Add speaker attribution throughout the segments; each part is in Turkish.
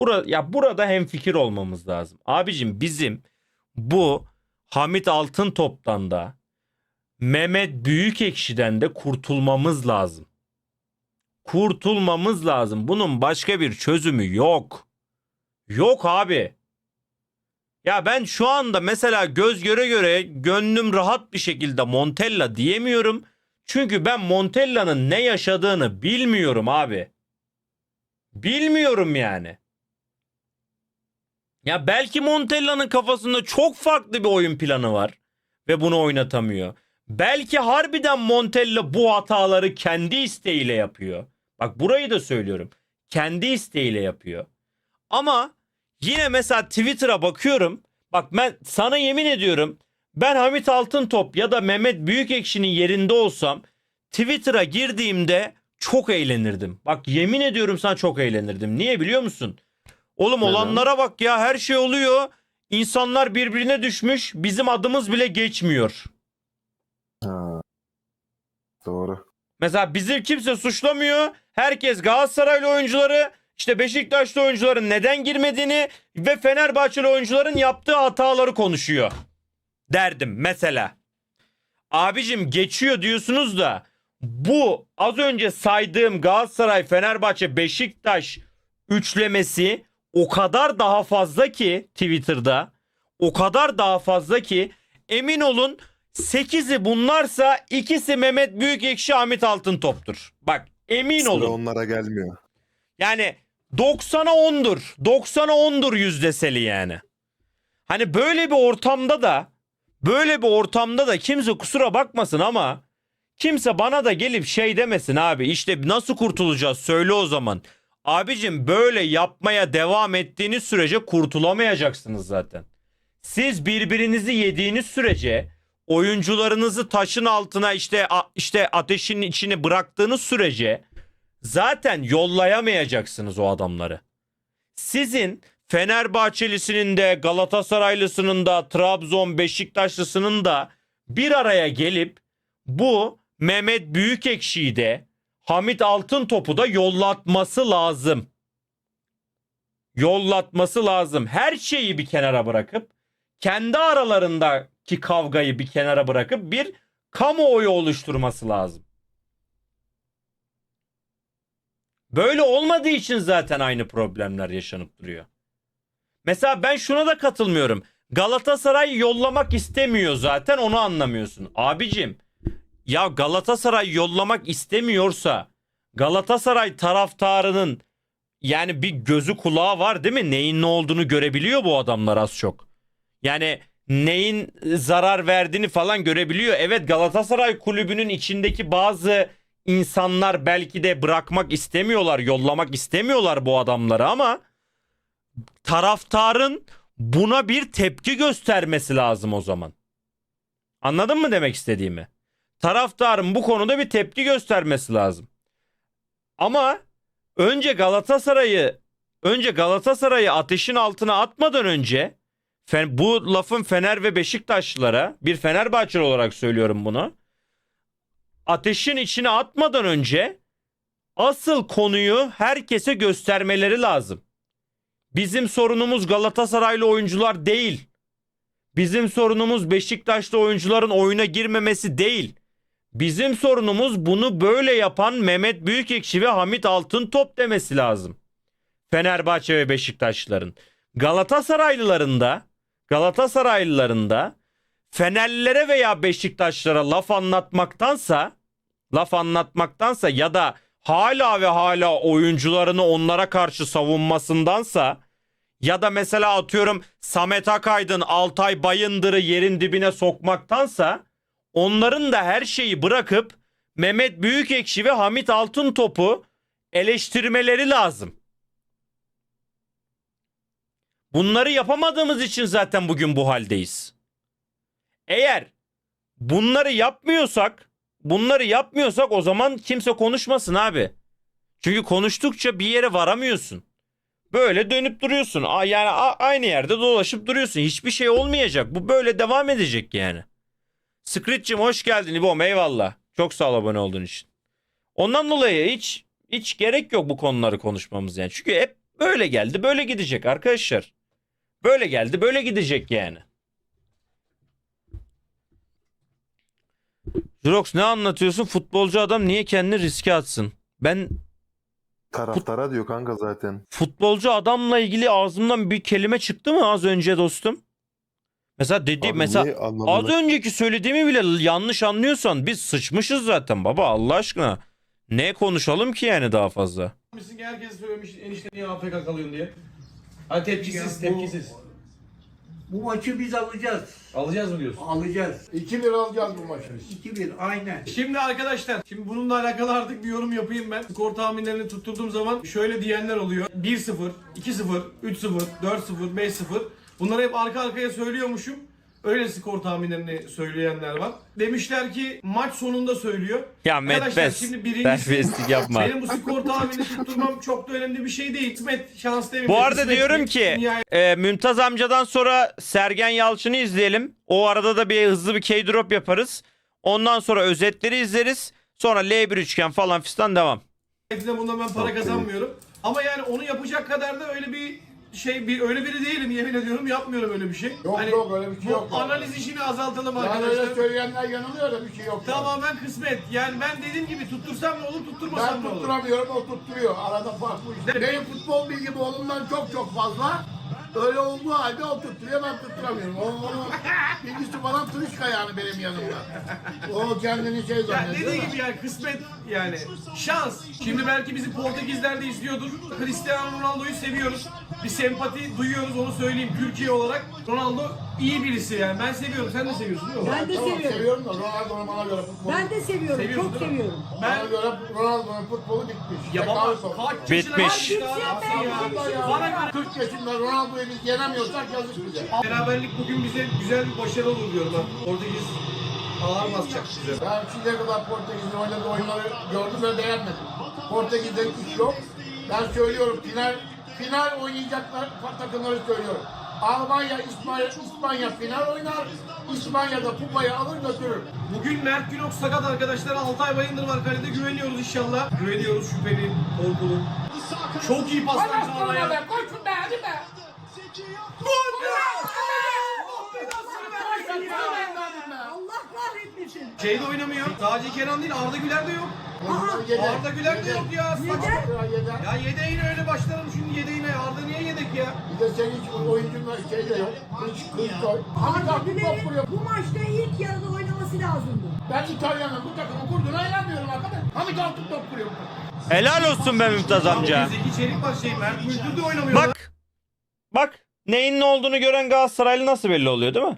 Speaker 1: Burada hemfikir olmamız lazım. Abicim bizim bu Hamit Altıntop'tan da Mehmet Büyükekşi'den de kurtulmamız lazım. Kurtulmamız lazım. Bunun başka bir çözümü yok. Yok abi. Ya ben şu anda mesela göz göre göre gönlüm rahat bir şekilde Montella diyemiyorum. Çünkü ben Montella'nın ne yaşadığını bilmiyorum abi. Bilmiyorum yani. Ya belki Montella'nın kafasında çok farklı bir oyun planı var ve bunu oynatamıyor. Belki harbiden Montella bu hataları kendi isteğiyle yapıyor. Bak burayı da söylüyorum. Kendi isteğiyle yapıyor. Ama yine mesela Twitter'a bakıyorum. Bak ben sana yemin ediyorum. Ben Hamit Altıntop ya da Mehmet Büyükekşi'nin yerinde olsam Twitter'a girdiğimde çok eğlenirdim. Bak yemin ediyorum sana çok eğlenirdim. Niye biliyor musun? Oğlum
Speaker 2: Neden?
Speaker 1: olanlara bak ya, her şey oluyor. İnsanlar birbirine düşmüş. Bizim adımız bile geçmiyor.
Speaker 2: Ha, doğru.
Speaker 1: Mesela bizi kimse suçlamıyor. Herkes Galatasaraylı oyuncuları, işte Beşiktaşlı oyuncuların neden girmediğini ve Fenerbahçeli oyuncuların yaptığı hataları konuşuyor. Derdim mesela. Abicim geçiyor diyorsunuz da bu az önce saydığım Galatasaray, Fenerbahçe, Beşiktaş üçlemesi o kadar daha fazla ki Twitter'da, o kadar daha fazla ki emin olun 8'i bunlarsa ikisi Mehmet Büyükekşi, Hamit Altıntop'tur. Bak emin
Speaker 2: Sıra
Speaker 1: olun.
Speaker 2: onlara gelmiyor.
Speaker 1: Yani 90'a 10'dur. 90'a 10'dur yüzdeseli yani. Hani böyle bir ortamda da kimse kusura bakmasın ama kimse bana da gelip şey demesin abi, işte nasıl kurtulacağız söyle o zaman. Abicim böyle yapmaya devam ettiğiniz sürece kurtulamayacaksınız zaten. Siz birbirinizi yediğiniz sürece, oyuncularınızı taşın altına işte ateşin içine bıraktığınız sürece zaten yollayamayacaksınız o adamları. Sizin Fenerbahçelisinin de, Galatasaraylısının da, Trabzon Beşiktaşlısının da bir araya gelip bu Mehmet Büyükekşi'yi de Hamit Altıntop'u da yollatması lazım. Yollatması lazım. Her şeyi bir kenara bırakıp, kendi aralarındaki kavgayı bir kenara bırakıp bir kamuoyu oluşturması lazım. Böyle olmadığı için zaten aynı problemler yaşanıp duruyor. Mesela ben şuna da katılmıyorum. Galatasaray yollamak istemiyor zaten, onu anlamıyorsun. Abicim ya Galatasaray yollamak istemiyorsa Galatasaray taraftarının yani bir gözü kulağı var değil mi? Neyin ne olduğunu görebiliyor bu adamlar az çok. Yani neyin zarar verdiğini falan görebiliyor. Evet, Galatasaray kulübünün içindeki bazı insanlar belki de bırakmak istemiyorlar, yollamak istemiyorlar bu adamları ama taraftarın buna bir tepki göstermesi lazım o zaman. Anladın mı demek istediğimi? Taraftarın bu konuda bir tepki göstermesi lazım. Ama önce Galatasaray'ı ateşin altına atmadan önce bu lafın Fener ve Beşiktaşlılara, bir Fenerbahçeli olarak söylüyorum bunu. Ateşin içine atmadan önce asıl konuyu herkese göstermeleri lazım. Bizim sorunumuz Galatasaraylı oyuncular değil. Bizim sorunumuz Beşiktaşlı oyuncuların oyuna girmemesi değil. Bizim sorunumuz bunu böyle yapan Mehmet Büyükekşi ve Hamit Altıntop demesi lazım. Fenerbahçe ve Beşiktaşlıların. Galatasaraylıların da Fenerlilere veya Beşiktaşlara laf anlatmaktansa ya da hala ve hala oyuncularını onlara karşı savunmasındansa ya da mesela atıyorum Samet Akaydın, Altay Bayındır'ı yerin dibine sokmaktansa onların da her şeyi bırakıp Mehmet Büyükekşi ve Hamit Altıntop'u eleştirmeleri lazım. Bunları yapamadığımız için zaten bugün bu haldeyiz. Eğer bunları yapmıyorsak o zaman kimse konuşmasın abi. Çünkü konuştukça bir yere varamıyorsun. Böyle dönüp duruyorsun. Yani aynı yerde dolaşıp duruyorsun. Hiçbir şey olmayacak. Bu böyle devam edecek yani. Screech'cim hoş geldin İbom, eyvallah. Çok sağ ol abone olduğun için. Ondan dolayı hiç gerek yok bu konuları konuşmamız yani. Çünkü hep Böyle geldi böyle gidecek arkadaşlar. Böyle geldi böyle gidecek yani. Jurox ne anlatıyorsun? Futbolcu adam niye kendini riske atsın? Ben
Speaker 2: Taraftara diyor kanka zaten.
Speaker 1: futbolcu adamla ilgili ağzımdan bir kelime çıktı mı az önce dostum? Mesela
Speaker 2: Abi niye
Speaker 1: mesela az
Speaker 2: anlamını...
Speaker 1: önceki söylediğimi bile yanlış anlıyorsan biz sıçmışız zaten baba Allah aşkına. Ne konuşalım ki yani daha fazla?
Speaker 3: Misin ki herkes söylemiş enişte niye AFK kalıyorsun diye. Hadi tepkisiz,
Speaker 4: Ya bu-
Speaker 3: tepkisiz.
Speaker 4: Bu maçı biz alacağız.
Speaker 3: Alacağız mı diyorsun?
Speaker 4: Alacağız.
Speaker 5: 2-1 alacağız bu maçı biz.
Speaker 4: 2-1 aynen.
Speaker 3: Şimdi arkadaşlar, şimdi bununla alakalı artık bir yorum yapayım ben. Skor tahminlerini tutturduğum zaman şöyle diyenler oluyor. 1-0, 2-0, 3-0, 4-0, 5-0. Bunları hep arka arkaya söylüyormuşum. Öyle skor tahminlerini söyleyenler var. Demişler ki maç sonunda söylüyor.
Speaker 1: Ya
Speaker 3: Arkadaşlar,
Speaker 1: Metbes
Speaker 3: şimdi birincisi-
Speaker 1: terbiyesizlik yapma.
Speaker 3: Benim bu skor tahmini tutturmam çok da önemli bir şey değil. Kısmet, şans demeyeyim.
Speaker 1: Bu arada
Speaker 3: Kısmet
Speaker 1: diyorum
Speaker 3: değil.
Speaker 1: ki
Speaker 3: Dünyaya-
Speaker 1: Mümtaz amcadan sonra Sergen Yalçın'ı izleyelim. O arada da bir hızlı bir K-drop yaparız. Ondan sonra özetleri izleriz. Sonra L1 üçgen falan fistan devam.
Speaker 3: Bundan ben para kazanmıyorum. Ama yani onu yapacak kadar da öyle bir öyle biri değilim, yemin ediyorum yapmıyorum öyle bir şey.
Speaker 5: Yok, yok, öyle bir şey
Speaker 3: bu
Speaker 5: yok.
Speaker 3: analiz işini azaltalım
Speaker 5: Yani
Speaker 3: arkadaşlar.
Speaker 5: öyle söyleyenler yanılıyor da bir şey yok.
Speaker 3: Tamamen kısmet. Yani ben dediğim gibi tuttursam ne olur, tutturmasam
Speaker 5: Ben
Speaker 3: ne olur.
Speaker 5: tutturamıyorum, o tutturuyor. Arada fark bu işte. Benim futbol bilgim oğlumdan çok çok fazla. Öyle olduğu halde o tutturuyor, ben tutturamıyorum. Onun bilgisi falan tırışka yani benim yanımda. O kendini şey
Speaker 3: Yani
Speaker 5: zannediyor.
Speaker 3: dediği
Speaker 5: da.
Speaker 3: gibi yani kısmet yani şans. Şimdi belki bizi Portekizler de izliyordur. Cristiano Ronaldo'yu seviyoruz. Bir sempati duyuyoruz onu söyleyeyim Türkiye olarak. Ronaldo iyi birisi yani ben seviyorum. Sen de seviyorsun değil mi?
Speaker 6: Ben de
Speaker 5: Tamam,
Speaker 6: seviyorum.
Speaker 5: seviyorum da Ronaldo'nun bana göre futbolu.
Speaker 6: Ben de seviyorum.
Speaker 3: Seviyorsun
Speaker 6: Çok
Speaker 3: değil mi?
Speaker 6: seviyorum.
Speaker 5: Bana göre Ronaldo'nun futbolu bitmiş.
Speaker 3: Ya
Speaker 5: Tekrar
Speaker 3: baba
Speaker 5: sor.
Speaker 3: kaç yaşına
Speaker 1: Bitmiş.
Speaker 3: geldi daha ya. Bana göre
Speaker 5: 40 yaşında Ronaldo'yu biz yenemiyorsak yazık bize.
Speaker 3: beraberlik bugün bize güzel bir başarı olur diyorum ben. Portekiz ağır basacak bize.
Speaker 5: Ben şimdiye kadar Portekiz'in oynadığı oyunları gördüm ve beğenmedim. Portekiz'de hiç yok. Ben söylüyorum final oynayacaklar takımları söylüyorum. Almanya, İspanya final oynar. İspanya'da kupayı alır götürür.
Speaker 3: Bugün Mert Günok sakat arkadaşlar. Altay Bayındır var kalede. Güveniyoruz inşallah. Güveniyoruz şüpheli, korkulu. Çok iyi paslar sana ya.
Speaker 5: Koşun be hadi be.
Speaker 6: Allah kahretmesin.
Speaker 3: Şeyde oynamıyor. Sadece Kenan değil Arda Güler de yok.
Speaker 5: Yedek.
Speaker 3: Arda Güler de yok ya.
Speaker 6: Neden?
Speaker 3: Ya yedeğine öyle başlarım şimdi yedeğine. Arda niye yedek ya?
Speaker 5: Bir de senin hiç oyuncunla şey de yok. Kılıç koy. Hamit
Speaker 6: Arda
Speaker 5: Altın top
Speaker 6: Güler'in
Speaker 5: vuruyor.
Speaker 6: bu maçta ilk yarıda oynaması lazımdı.
Speaker 5: Ben İtalya'nın bu takımı kurduğuna inanmıyorum arkadaş. Hamit Altın top vuruyor.
Speaker 1: Helal olsun be Mümtaz amca.
Speaker 3: Zeki Çelik var şey. Mert Müldür de oynamıyor. lan.
Speaker 1: Bak neyin ne olduğunu gören Galatasaraylı nasıl belli oluyor değil mi?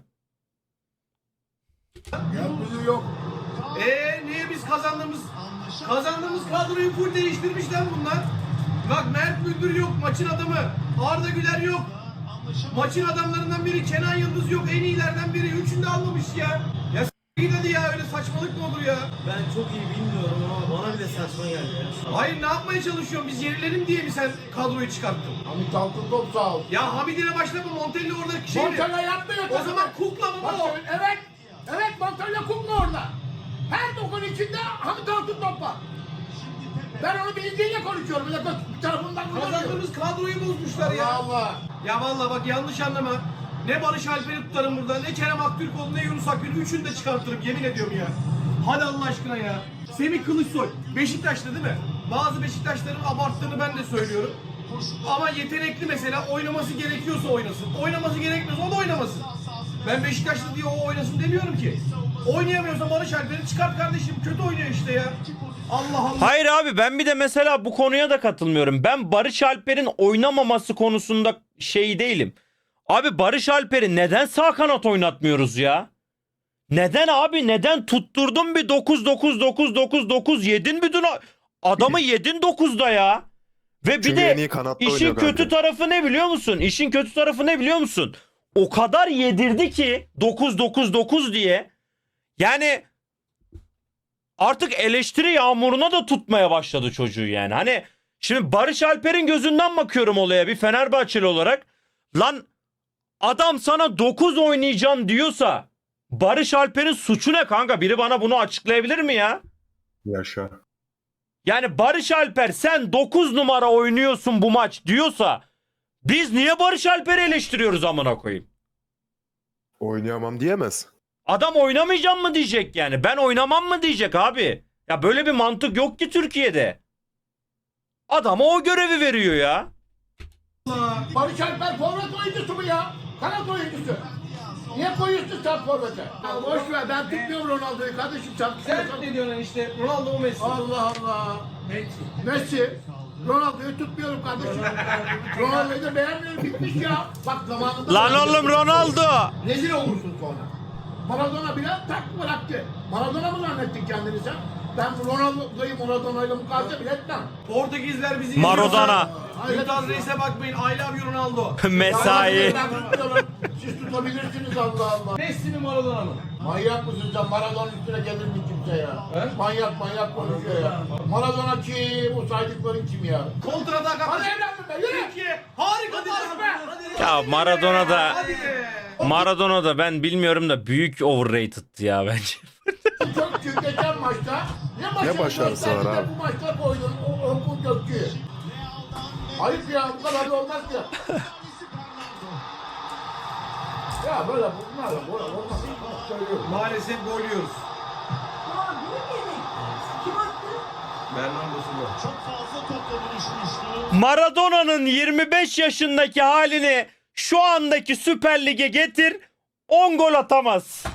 Speaker 5: Yalnızlığı yok.
Speaker 3: Niye biz kazandığımız kadroyu full değiştirmişler bunlar. Bak Mert Müldür yok maçın adamı. Arda Güler yok. Maçın adamlarından biri Kenan Yıldız yok. En iyilerden biri. Üçünü de almamış ya. Ya s*** hadi ya öyle saçmalık mı olur ya?
Speaker 7: Ben çok iyi bilmiyorum ama bana bile saçma geldi ya.
Speaker 3: Hayır ne yapmaya çalışıyorsun? Biz yenilelim diye mi sen kadroyu çıkarttın?
Speaker 5: Hamit Altın top sağ ol.
Speaker 3: Ya Hamidine başlama Montella orada şey mi?
Speaker 5: Montella yapmıyor.
Speaker 3: O zaman kukla mı
Speaker 5: Bak
Speaker 3: bu?
Speaker 5: evet. Evet Montella kumlu orada. Her dokun içinde Hamit Altın top var. Ben onu bildiğiyle konuşuyorum. Bir tarafından konuşuyorum.
Speaker 3: Kazandığımız kadroyu bozmuşlar
Speaker 5: Allah
Speaker 3: ya.
Speaker 5: Allah.
Speaker 3: Ya vallahi bak yanlış anlama. Ne Barış Alper'i tutarım burada, ne Kerem Aktürkoğlu, ne Yunus Akgül. Üçünü de çıkartırım yemin ediyorum ya. Hadi Allah aşkına ya. Semih Kılıçsoy, Beşiktaşlı değil mi? Bazı Beşiktaşların abarttığını ben de söylüyorum. Ama yetenekli mesela oynaması gerekiyorsa oynasın. Oynaması gerekmiyorsa o da oynamasın. Ben Beşiktaşlı diye o oynasın demiyorum ki. Oynayamıyorsa Barış Alper'i çıkart kardeşim. Kötü oynuyor işte ya. Allah Allah.
Speaker 1: Hayır abi ben bir de mesela bu konuya da katılmıyorum. Ben Barış Alper'in oynamaması konusunda şey değilim. Abi Barış Alper'i neden sağ kanat oynatmıyoruz ya? Neden abi? Neden tutturdun bir 9 yedin bir dün adamı yedin 9'da ya. Ve bir
Speaker 2: Çünkü en
Speaker 1: de
Speaker 2: iyi kanatta
Speaker 1: işin
Speaker 2: oynuyor
Speaker 1: kötü
Speaker 2: kanka.
Speaker 1: tarafı ne biliyor musun? İşin kötü tarafı ne biliyor musun? O kadar yedirdi ki 9 diye. Yani artık eleştiri yağmuruna da tutmaya başladı çocuğu yani. Hani şimdi Barış Alper'in gözünden bakıyorum olaya bir Fenerbahçeli olarak. Lan adam sana 9 oynayacağım diyorsa Barış Alper'in suçu ne kanka? Biri bana bunu açıklayabilir mi ya?
Speaker 2: Yaşa.
Speaker 1: Yani Barış Alper sen 9 numara oynuyorsun bu maç diyorsa biz niye Barış Alper'i eleştiriyoruz amına koyayım?
Speaker 2: Oynayamam diyemez.
Speaker 1: Adam oynamayacağım mı diyecek yani. Ben oynamam mı diyecek abi. Ya böyle bir mantık yok ki Türkiye'de. Adama o görevi veriyor ya.
Speaker 5: Barış Alper forvet oyuncusu mu ya? Kanat oyuncusu. Niye koyuyorsun sen forvete? Ya boş ver, ben tutmuyorum Ronaldo'yu kardeşim.
Speaker 3: Sen ne diyorsun işte? Ronaldo mu Messi?
Speaker 5: Allah Allah. Messi. Ronaldo'yu tutmuyorum kardeşim. Ronaldo'yu da beğenmiyorum, bitmiş ya. Bak zamanında...
Speaker 1: Lan oğlum Ronaldo.
Speaker 5: Rezil olursun sonra. Maradona bile tak bıraktı. Maradona mı zannettin kendini sen? Ben Maradona'yla mukayese bile etmem.
Speaker 3: Portekizler bizi
Speaker 1: Maradona.
Speaker 3: Mümtaz Reis'e bakmayın. I love you Ronaldo.
Speaker 1: Mesai.
Speaker 5: Ben tutmuyorum. Siz tutabilirsiniz Allah Allah.
Speaker 3: Messi mi Maradona mı?
Speaker 5: Manyak mısın sen? Maradona üstüne gelir mi kimse ya?
Speaker 3: He?
Speaker 5: Manyak konuşuyor ya. Maradona kim? O saydıkların kim ya?
Speaker 3: Kontratak
Speaker 5: Hadi
Speaker 3: atmış.
Speaker 5: evladım be, yürü!
Speaker 3: Türkiye harika
Speaker 5: Hadi
Speaker 3: pas
Speaker 5: be!
Speaker 3: be.
Speaker 1: Ya
Speaker 3: Hadi be.
Speaker 1: Maradona da ben bilmiyorum da büyük overrated ya bence.
Speaker 5: Gökçü geçen maçta
Speaker 2: Ne başarısı var abi?
Speaker 5: Bu maçta koydun o Gökçü'yü. Ayıp ya, bu kadar da olmaz ya. Ya böyle bunlarla olmaz. Söylüyorum.
Speaker 3: Maalesef gol yiyoruz.
Speaker 6: Aa, bu ne yemek? Kim attı?
Speaker 3: Bernardo Silva.
Speaker 1: Maradona'nın 25 yaşındaki halini şu andaki Süper Lig'e getir 10 gol atamaz.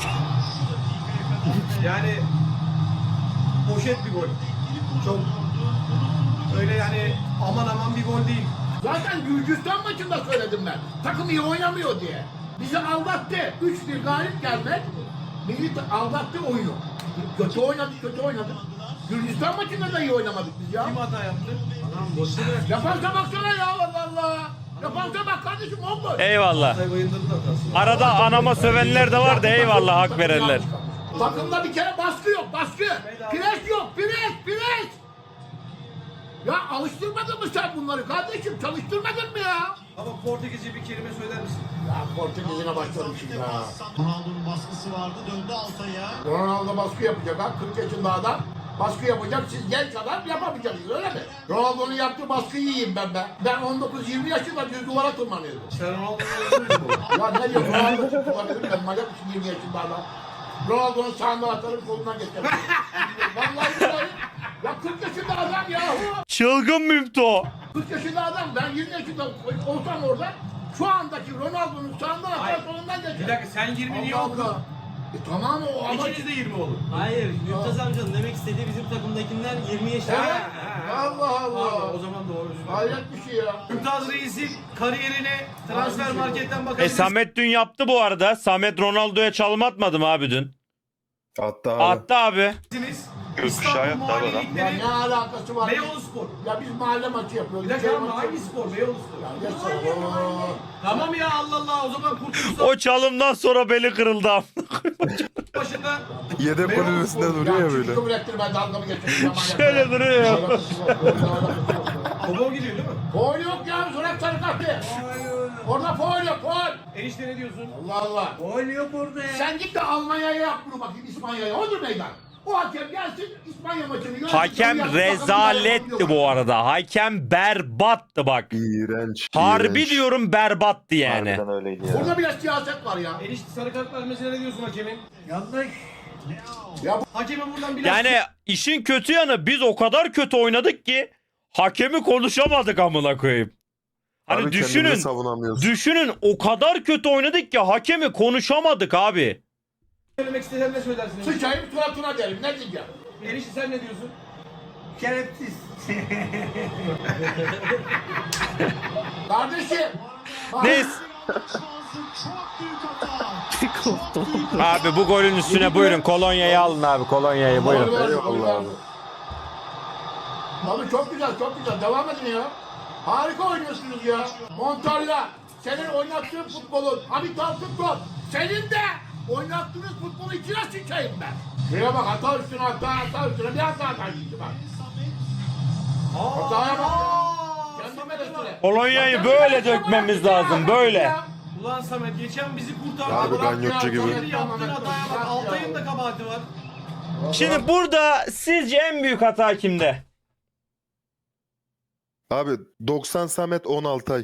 Speaker 3: Yani poşet bir gol. Çok öyle yani aman bir gol değil.
Speaker 5: Zaten Gürcistan maçında söyledim ben. Takım iyi oynamıyor diye. Bizi aldattı. 3-1 galip gelmek. Aldattı oyunu. Kötü oynadık. Gürcistan maçında da iyi oynamadık biz ya.
Speaker 3: Kim hata yaptı?
Speaker 5: Yapansa baksana ya Allah Allah. Yapansa bak kardeşim 10 gol.
Speaker 1: Eyvallah.
Speaker 3: Hatay Bayındır'ın hatası.
Speaker 1: Arada anama sövenler de var da eyvallah hak verenler.
Speaker 5: Takımda bir kere baskı yok, baskı. Pres yok, pres. Ya alıştırmadın mı sen bunları kardeşim? Çalıştırmadın mı ya?
Speaker 3: Ama Portekizce bir kelime söyler misin?
Speaker 5: Ya Portekiz'ine başladım şimdi ya.
Speaker 8: Ronaldo'nun baskısı vardı, döndü Altay'a.
Speaker 5: Ronaldo baskı yapacak ha, 40 yaşında adam. Baskı yapacak, siz genç adam yapamayacaksınız öyle mi? Ronaldo'nun yaptığı baskıyı yiyeyim ben be. Ben 19-20 yaşında düz duvara tırmanıyordum.
Speaker 3: Sen Ronaldo'yu
Speaker 5: Ya ne diyorsun? Ronaldo tutulabilir, ben manyak mısın 20 yaşında adam? Ronaldo'nun sağında atarım, kolundan geçerim. Vallahi billahi. Ya 40 yaşında adam yahu.
Speaker 1: Çılgın Mümto.
Speaker 5: 40 yaşında adam, ben 20 yaşında olsam orada, şu andaki Ronaldo'nun sağından atar, kolundan geçerim.
Speaker 3: Bir dakika sen 20 niye oldun?
Speaker 5: Tamam o ama...
Speaker 3: İkiniz de 20 olun.
Speaker 7: Hayır, Mümtaz amcanın demek istediği bizim takımdakinden 20 yaşında.
Speaker 5: Allah Allah.
Speaker 3: Pardon, o zaman doğru.
Speaker 5: Hayret bir şey ya.
Speaker 3: Mümtaz Reis'in kariyerine transfer marketten bakabiliriz.
Speaker 1: Samet dün yaptı bu arada. Samet Ronaldo'ya çalım atmadı mı abi dün?
Speaker 2: Hatta abi.
Speaker 1: Attı abi.
Speaker 3: İstanbul Mahalle
Speaker 5: Ya
Speaker 3: Ligleri
Speaker 5: ne alakası var?
Speaker 3: Beyoğlu Spor.
Speaker 5: Ya biz mahalle maçı yapıyoruz.
Speaker 3: Bir dakika
Speaker 5: Şey
Speaker 3: ama
Speaker 5: maçı
Speaker 3: hangi spor? Beyoğlu Spor.
Speaker 5: Ya geçsene. Oo.
Speaker 3: Tamam ya Allah Allah o zaman Kurtuluş
Speaker 1: O çalımdan sonra beli kırıldı abi.
Speaker 3: başında
Speaker 2: Yedek
Speaker 3: Beyoğlu
Speaker 2: kulübesinde
Speaker 3: Spor.
Speaker 2: duruyor ya böyle.
Speaker 5: Çıkıp ürettirme dalgamı geçiyorum.
Speaker 1: Şöyle duruyor ya.
Speaker 3: Foul gidiyor değil mi?
Speaker 5: Foul yok ya. Zorak sarı kartı. Orada foul yok. Foul.
Speaker 3: Enişte ne diyorsun?
Speaker 5: Allah Allah.
Speaker 4: Oynuyor burada ya.
Speaker 5: Sen git de Almanya'ya yap bunu bakayım İspanya'ya. Odur meydan. O hakem gelsin İspanya maçını yönetsin.
Speaker 1: Hakem rezaletti bu arada. Hakem berbattı bak.
Speaker 2: İğrenç.
Speaker 1: Harbi
Speaker 2: iğrenç.
Speaker 1: diyorum berbattı yani.
Speaker 2: Harbiden öyleydi ya.
Speaker 5: Burada bile siyaset var ya.
Speaker 3: Enişte sarı kart vermesine ne diyorsun hakemin?
Speaker 4: Yanlış.
Speaker 3: Hakeme buradan biraz...
Speaker 1: Yani işin kötü yanı biz o kadar kötü oynadık ki hakemi konuşamadık amına koyayım. Hani
Speaker 2: Abi kendimizi
Speaker 1: düşünün.
Speaker 2: savunamıyoruz.
Speaker 1: Düşünün o kadar kötü oynadık ki hakemi konuşamadık abi.
Speaker 3: Söylemek istesen ne söylersin? enişte?
Speaker 5: Sıçayım suratına derim. Ne diyeceğim?
Speaker 3: Enişte sen ne diyorsun?
Speaker 4: Şerefsiz.
Speaker 5: Kardeşim. bak-
Speaker 1: Neyse. Abi bu golün üstüne buyurun kolonyayı alın abi kolonyayı buyurun.
Speaker 2: Eyvallah abi.
Speaker 5: Abi çok güzel, çok güzel. Devam edin ya. Harika oynuyorsunuz ya. Montarla. Senin oynattığın futbolun, habitat futbol. Senin de oynattığınız futbolu içine sıçayım ben. Şuraya bak, hata üstüne, hata üstüne. Bir hata gitti bak. Hataya bak ya. Kendime göstere.
Speaker 1: Kolonyayı böyle dökmemiz lazım böyle.
Speaker 3: Ulan Samet geçen bizi kurtardı.
Speaker 2: Abi
Speaker 3: Bırak
Speaker 2: ganyotçu
Speaker 3: ya,
Speaker 2: gibi.
Speaker 3: Samet'in yaptığın hataya bak. Altay'ın da kabahati var.
Speaker 1: Şimdi burada sizce en büyük hata kimde?
Speaker 2: Abi 90 Samet 10 Altay.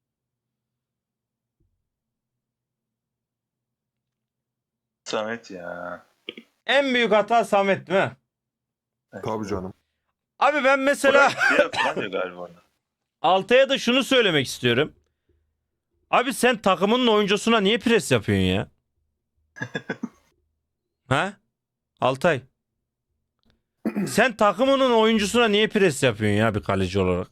Speaker 9: Samet ya.
Speaker 1: En büyük hata Samet değil mi?
Speaker 2: Tabii canım.
Speaker 1: Abi ben mesela
Speaker 9: Burak falan diyor galiba orada.
Speaker 1: Altay'a da şunu söylemek istiyorum. Abi sen takımının oyuncusuna niye pres yapıyorsun ya? Ha? Altay. Sen takımının oyuncusuna niye pres yapıyorsun ya bir kaleci olarak?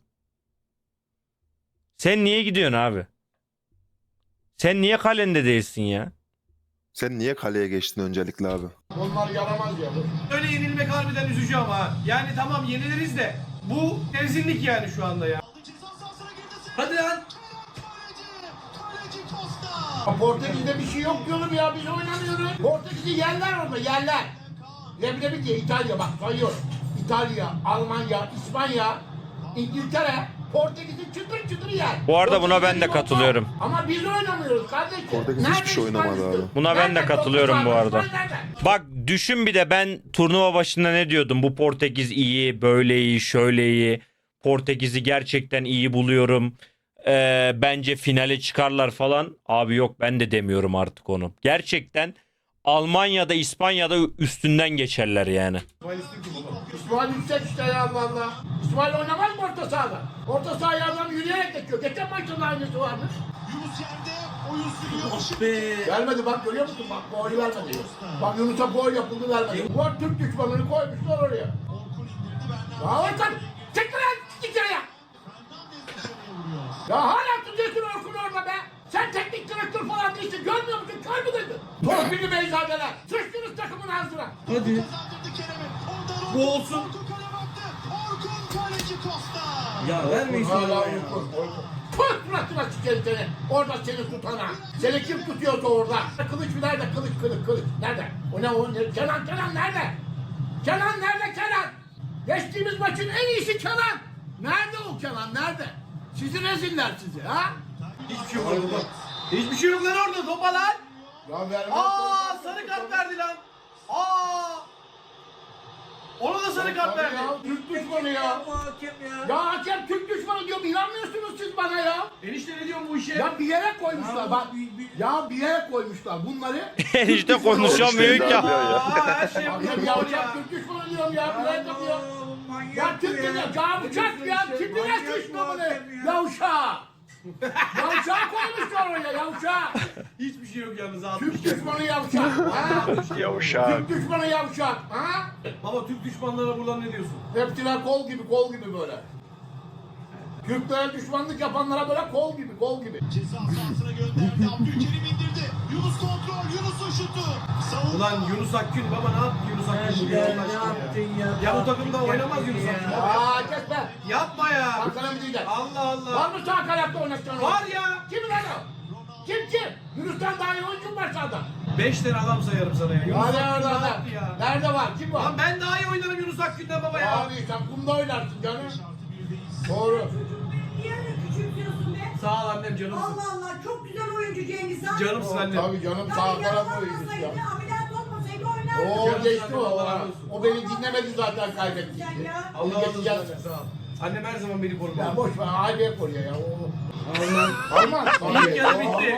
Speaker 1: Sen niye gidiyorsun abi? Sen niye kalende değilsin ya?
Speaker 2: Sen niye kaleye geçtin öncelikle abi?
Speaker 5: Onlar yaramaz ya.
Speaker 3: Öyle yenilmek harbiden üzücü ama ha. Yani tamam yeniliriz de bu rezillik yani şu anda ya.
Speaker 7: Hadi lan.
Speaker 5: Portekiz'de bir şey yok diyorum ya, biz oynamıyoruz. Portekiz'i yerler orada, yerler. Leblebi diye İtalya, bak sayıyorum. İtalya, Almanya, İspanya, İngiltere, Portekiz'i çıtır çıtır yer.
Speaker 1: Bu arada buna ben de
Speaker 5: Portekiz'in
Speaker 1: katılıyorum.
Speaker 5: yok. Ama biz oynamıyoruz kardeşim.
Speaker 2: Portekiz hiçbir şey
Speaker 5: İspanya
Speaker 2: oynamadı
Speaker 5: üstü?
Speaker 2: abi.
Speaker 1: Buna ben de
Speaker 5: Nerede
Speaker 1: katılıyorum bu
Speaker 5: Portekiz
Speaker 1: arada.
Speaker 5: abi? İspanya nerede?
Speaker 1: Bak düşün bir de ben turnuva başında ne diyordum? Bu Portekiz iyi, böyle iyi, şöyle iyi. Portekiz'i gerçekten iyi buluyorum. Bence finale çıkarlar falan. Abi yok ben de demiyorum artık onu. Gerçekten Almanya'da, İspanya'da üstünden geçerler yani.
Speaker 5: İsmail yüksek işte ya Allah Allah. İsmail oynamaz mı orta sahada? Orta sahaya adam yürüyerek geçiyor. Geçen maçın da aynısı vardı.
Speaker 8: Yunus yerde oyun sürüyor.
Speaker 7: Ah be.
Speaker 5: Vermedi bak, görüyor musun? Bak golü vermedi. Bak Yunus'a gol yapıldı, vermedi. Bu Türk düşmanını koymuşlar oraya.
Speaker 8: Orkun indirdi benden.
Speaker 5: Ya Orkun! Çek lan! Git ya!
Speaker 8: Fernandes dışarıya vuruyor.
Speaker 5: Ya hala tutuyorsun Orkun orada be! Sen teknik direktör falan değilsin, görmüyor musun? Kör mü dedin? Torpilli beyzadeler! Sıçtınız takımın ağzına!
Speaker 7: Hadi.
Speaker 8: Kazandırdı Kerem'e. Orada
Speaker 3: Bu olsun.
Speaker 8: Orkun kale baktı. Orkun kaleci Costa.
Speaker 7: Ya vermeyin şunu
Speaker 5: Hala
Speaker 7: ya.
Speaker 5: Orkun. Tut suratına sikerim seni! Orada seni tutana! Seni kim tutuyorsa orada? Kılıç nerede? Kılıç. Nerede? O ne o? Ne? Kenan nerede? Kenan nerede Kenan? Geçtiğimiz maçın en iyisi Kenan! Nerede o Kenan? Nerede? Sizi reziller sizi ha?
Speaker 3: Hiçbir şey yok orada. Hiçbir şey yok lan orada, topa lan.
Speaker 5: Ya vermez.
Speaker 3: Aa, sarı kart verdi lan. Aa. Ona da sarı kart verdi.
Speaker 5: Ya Türk düşmanı ya.
Speaker 7: Yapma hakem ya.
Speaker 5: Ya hakem Türk düşmanı diyorum, inanmıyorsunuz siz bana ya.
Speaker 3: Enişte ne diyorsun bu işe?
Speaker 5: Ya bir yere koymuşlar bak. Ya bir yere koymuşlar bunları.
Speaker 1: işte konuşamıyor ki.
Speaker 3: Aa, her şey
Speaker 5: Hakem
Speaker 3: yapıyor.
Speaker 5: ya
Speaker 3: Ya.
Speaker 5: Türk düşmanı diyorum ya. Bir yere yapıyor. Ya Türk düşmanı. Ya bıçak ya. Tipine düşmanı. Yavşağı. Yavşağı koymuşlar oraya, yavşağı.
Speaker 3: Hiçbir şey yok yalnız abi.
Speaker 5: Türk düşmanı yavşak. Ha?
Speaker 9: Yavşak.
Speaker 5: Türk düşmanı yavşak. Ha?
Speaker 3: Baba Türk düşmanlarına buradan ne diyorsun?
Speaker 5: Hepsine kol gibi böyle. Türklere düşmanlık yapanlara böyle kol gibi.
Speaker 8: Ceza sahasına gönderdi. Abdülkerim indirdi. Yunus kontrol. Yunus'un şutu. Savunma.
Speaker 3: Ulan Yunus Akgün baba ne yaptı Yunus Akgün bugün Allah aşkına ya? Ya bu takımda oynamaz Yunus Akgün.
Speaker 5: Aa kesme.
Speaker 3: Yapma ya.
Speaker 5: Arkana mı diyeceksin?
Speaker 3: Allah
Speaker 5: Var
Speaker 3: Allah.
Speaker 5: mı sağ kanatta oynatacaksın?
Speaker 3: Var ya.
Speaker 5: Kim lan o? Kim? Yunus'tan daha iyi oyuncu var sağda.
Speaker 3: 5 tane adam sayarım sana ya. Yunus
Speaker 5: Hadi
Speaker 3: Akgün
Speaker 5: orada
Speaker 3: ne
Speaker 5: adam.
Speaker 3: yaptı ya?
Speaker 5: Nerede var? Kim var?
Speaker 3: Lan ben daha iyi oynarım Yunus Akgün'den baba ya.
Speaker 5: Abi sen kumda oynarsın canım. Doğru.
Speaker 6: Niye öyle küçültüyorsun be?
Speaker 3: Sağ ol annem canımsın.
Speaker 6: Allah Allah çok güzel oyuncu Cengiz Han.
Speaker 3: Canımsın annem.
Speaker 5: Tabii canım,
Speaker 6: Ya
Speaker 5: sağ taraf oyuncusu
Speaker 6: yaralanmasaydı,
Speaker 5: ya.
Speaker 6: ameliyat olmasaydı oynardı.
Speaker 5: Oo
Speaker 3: Canım
Speaker 5: geçti
Speaker 3: zaten,
Speaker 5: o.
Speaker 3: Allah razı olsun.
Speaker 5: O beni dinlemedi zaten, kaybetti.
Speaker 6: Sen ya.
Speaker 3: Allah razı olsun
Speaker 5: Geçeceğiz.
Speaker 3: annem sağ ol. Annem her zaman beni korur.
Speaker 5: Ya boş ver, aileye koruyor ya.
Speaker 3: Alman. İlk yarı bitti.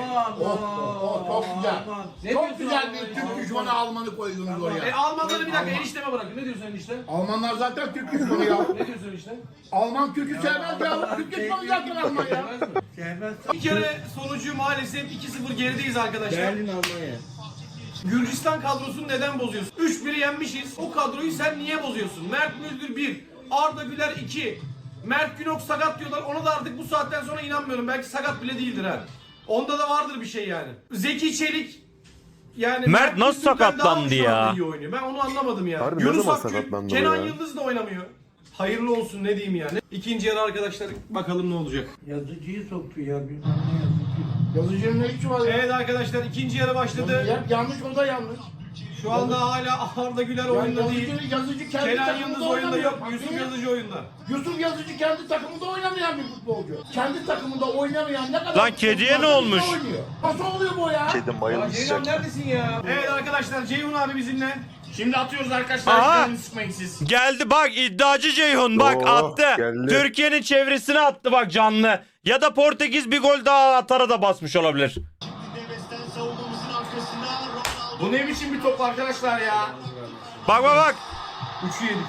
Speaker 5: Çok güzel.
Speaker 3: Ne
Speaker 5: Çok
Speaker 3: diyorsun
Speaker 5: güzel
Speaker 3: Alman
Speaker 5: bir
Speaker 3: ya?
Speaker 5: Türk düşmanı Alman'ı koydunuz oraya.
Speaker 3: Almanları bir dakika enişteme bırakın. Ne diyorsun enişte?
Speaker 5: Almanlar zaten Türk düşmanı ya.
Speaker 3: Ne diyorsun enişte?
Speaker 5: Alman Türk'ü sevmez ya. Türk düşmanı zaten Alman ya.
Speaker 3: Bir kere sonucu maalesef 2-0 gerideyiz arkadaşlar.
Speaker 7: Berlin Almanya.
Speaker 3: Gürcistan kadrosunu neden bozuyorsun? 3-1'i yenmişiz. O kadroyu sen niye bozuyorsun? Mert Müldür 1, Arda Güler 2. Mert Günok sakat diyorlar. Ona da artık bu saatten sonra inanmıyorum. Belki sakat bile değildir ha. Onda da vardır bir şey yani. Zeki Çelik yani
Speaker 1: Mert nasıl
Speaker 3: Müldür'den
Speaker 1: sakatlandı
Speaker 3: daha şu anda
Speaker 1: ya?
Speaker 3: iyi oynuyor. Ben onu anlamadım ya.
Speaker 2: Harbi ne
Speaker 3: Yunus
Speaker 2: zaman
Speaker 3: Akgün,
Speaker 2: sakatlandı o
Speaker 3: Kenan
Speaker 2: ya?
Speaker 3: Yıldız da oynamıyor. Hayırlı olsun ne diyeyim yani. İkinci yarı arkadaşlar bakalım ne olacak.
Speaker 4: Yazıcıyı soktu ya. Bilmem ne yazıcı.
Speaker 5: Yazıcının ne işi var ya?
Speaker 3: Evet arkadaşlar ikinci yarı başladı.
Speaker 5: Yanlış, o da yanlış.
Speaker 3: Şu anda hala Arda Güler oyunda değil.
Speaker 5: Yazıcı kendi
Speaker 3: Kenan
Speaker 5: takımında
Speaker 3: Yıldız oyunda
Speaker 5: oynamıyor.
Speaker 3: yok. Yusuf
Speaker 5: Niye?
Speaker 3: Yazıcı oyunda.
Speaker 5: Yusuf Yazıcı kendi takımında oynamayan bir futbolcu. Kendi takımında oynamayan ne kadar...
Speaker 1: Lan kediye ne olmuş?
Speaker 5: Oynuyor. Nasıl oluyor bu ya?
Speaker 9: Kedim
Speaker 3: Ya
Speaker 9: bayılmış
Speaker 3: Ceyhun
Speaker 9: sıcak.
Speaker 3: neredesin ya? Evet arkadaşlar Ceyhun abi bizimle.
Speaker 5: Şimdi atıyoruz arkadaşlar.
Speaker 1: Aha.
Speaker 5: Canını sıkmayın siz.
Speaker 1: Geldi bak iddiacı Ceyhun bak
Speaker 2: Oo,
Speaker 1: attı.
Speaker 2: geldi.
Speaker 1: Türkiye'nin çevresine attı bak canlı. Ya da Portekiz bir gol daha atara da basmış olabilir.
Speaker 8: Neves'ten savunmamızın arkasında Ronaldo.
Speaker 5: Bu ne biçim bir top arkadaşlar ya?
Speaker 1: Bak bak bak.
Speaker 3: 3'ü yedik.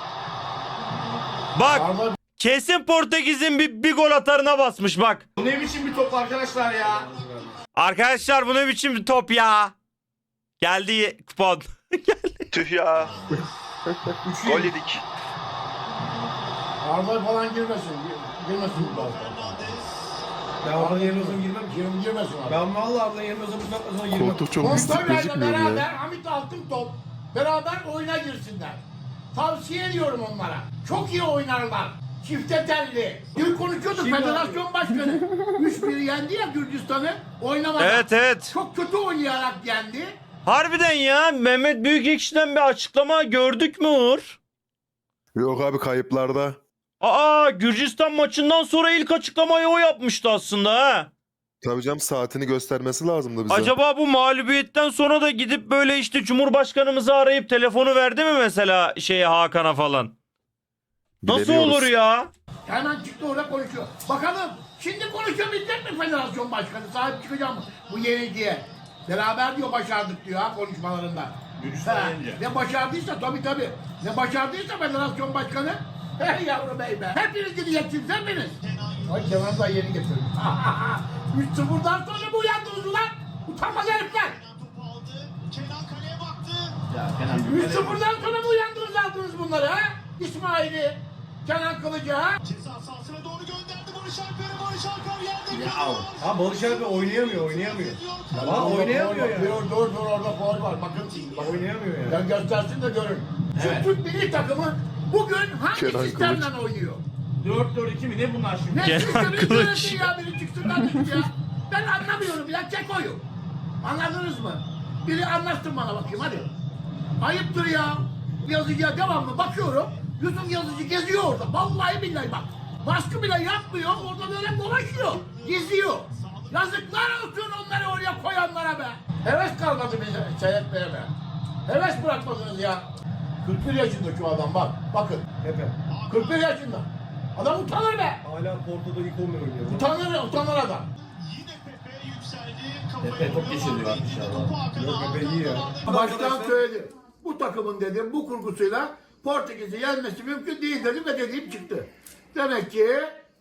Speaker 1: Bak
Speaker 5: Arda,
Speaker 1: kesin Portekiz'in bir gol atarına basmış bak.
Speaker 5: bu ne biçim bir top arkadaşlar ya?
Speaker 1: Arkadaşlar bu ne biçim bir top ya. Geldi kupon.
Speaker 9: Tüh ya. Gol yedik.
Speaker 5: Arda falan girmesin. Girmesin bu tarafa.
Speaker 3: Ben Arda'nın yerine olsam girmem ki.
Speaker 5: Girmesin abi.
Speaker 3: Ben vallahi Arda'nın yerine olsam bu saatten sonra girmem.
Speaker 2: Koltuk çok pislik
Speaker 5: Kontrollerle
Speaker 2: gözükmüyor mu
Speaker 5: beraber
Speaker 2: ya?
Speaker 5: Hamit Altın Top beraber oyuna girsinler. Tavsiye ediyorum onlara. Çok iyi oynarlar. Çifte telli. Dün konuşuyorduk federasyon başkanı. 3-1 yendi ya Gürcistan'ı. Oynamadan.
Speaker 1: Evet evet.
Speaker 5: Çok kötü oynayarak yendi.
Speaker 1: Harbiden ya Mehmet Büyükekşi'den bir açıklama gördük mü Uğur?
Speaker 2: Yok abi kayıplarda.
Speaker 1: Aa Gürcistan maçından sonra ilk açıklamayı o yapmıştı aslında ha.
Speaker 2: Tabii canım saatini göstermesi lazımdı bize.
Speaker 1: Acaba bu mağlubiyetten sonra da gidip böyle işte Cumhurbaşkanımızı arayıp telefonu verdi mi mesela şeye Hakan'a falan? Nasıl
Speaker 2: Bilemiyoruz.
Speaker 1: olur ya?
Speaker 5: Hemen çıktı orada konuşuyor. Bakalım şimdi konuşabilecek mi federasyon başkanı? Sahip çıkacağım mı bu yenilgiye? Beraber diyor başardık diyor ha konuşmalarında. Ne başardıysa tabii. Ne başardıysa federasyon başkanı. Hey yavrum bey be. Hepiniz gideceksiniz hepiniz. Ay Kemal da yeni getirdim. 3-0'dan sonra mı uyandınız ulan? Utanmaz herifler.
Speaker 8: Topu aldı. Kenan kaleye baktı.
Speaker 5: 3-0'dan sonra mı uyandınız aldınız bunları ha? İsmail'i, Kenan Kılıcı ha?
Speaker 8: Ceza sahasına doğru gönderdi Barış Alper'e. Barış Alper yerde
Speaker 5: Ya.
Speaker 8: kalıyor.
Speaker 3: Ha Barış abi oynayamıyor. Ha oynayamıyor ya.
Speaker 5: Dur orada faul var bakın.
Speaker 3: Oynayamıyor ya.
Speaker 5: Ya göstersin de görün. Şu Türk milli takımı bugün hangi
Speaker 2: Kenan
Speaker 5: sistemle oynuyor?
Speaker 3: 4-4-2 mi ne bunlar şimdi?
Speaker 5: Ne
Speaker 1: Kenan
Speaker 5: sistemi
Speaker 1: Kılıç.
Speaker 5: söylesin ya biri çıksın kardeşim ya. Ben anlamıyorum ya Keko'yu. Anladınız mı? Biri anlatsın bana bakayım hadi. Ayıptır ya. Yazıcıya devamlı bakıyorum. Yusuf Yazıcı geziyor orada. Vallahi billahi bak. Baskı bile yapmıyor. Orada böyle dolaşıyor. Geziyor. Yazıklar olsun onları oraya koyanlara be. Heves kalmadı bize seyretmeye be. Heves bırakmadınız ya. 41 yaşında şu adam bak. Bakın.
Speaker 3: Epe.
Speaker 5: 41 yaşında. Adam utanır be.
Speaker 3: Hala Porto'da ilk 11 oynuyor.
Speaker 5: Utanır adam.
Speaker 8: Yine Pepe yükseldi.
Speaker 7: Pepe top geçiriyor inşallah.
Speaker 3: Yok Pepe iyi ya.
Speaker 5: Baştan söyledi. Bu takımın dedim bu kurgusuyla Portekiz'i yenmesi mümkün değil dedim ve dediğim çıktı. Demek ki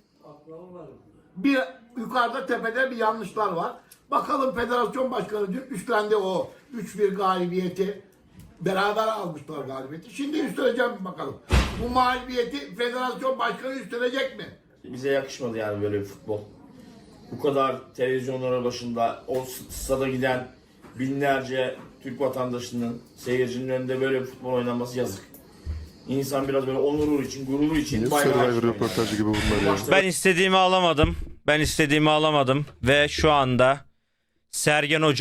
Speaker 5: bir yukarıda tepede bir yanlışlar var. Bakalım federasyon başkanı dün üstlendi o 3-1 galibiyeti. Beraber almışlar galibiyeti. Şimdi üstleneceğim bakalım. Bu mağlubiyeti federasyon başkanı üstlenecek mi?
Speaker 7: Bize yakışmadı yani böyle bir futbol. Bu kadar televizyonlara başında o stada giden binlerce Türk vatandaşının, seyircinin önünde böyle bir futbol oynanması yazık. İnsan biraz böyle onuru için, gururu için
Speaker 2: Niye
Speaker 7: bayrağı
Speaker 2: Survivor
Speaker 7: açıyor
Speaker 2: röportajı
Speaker 7: yani.
Speaker 2: gibi bunlar ya?
Speaker 7: Başta
Speaker 1: Ben istediğimi alamadım. Ve şu anda Sergen Hoca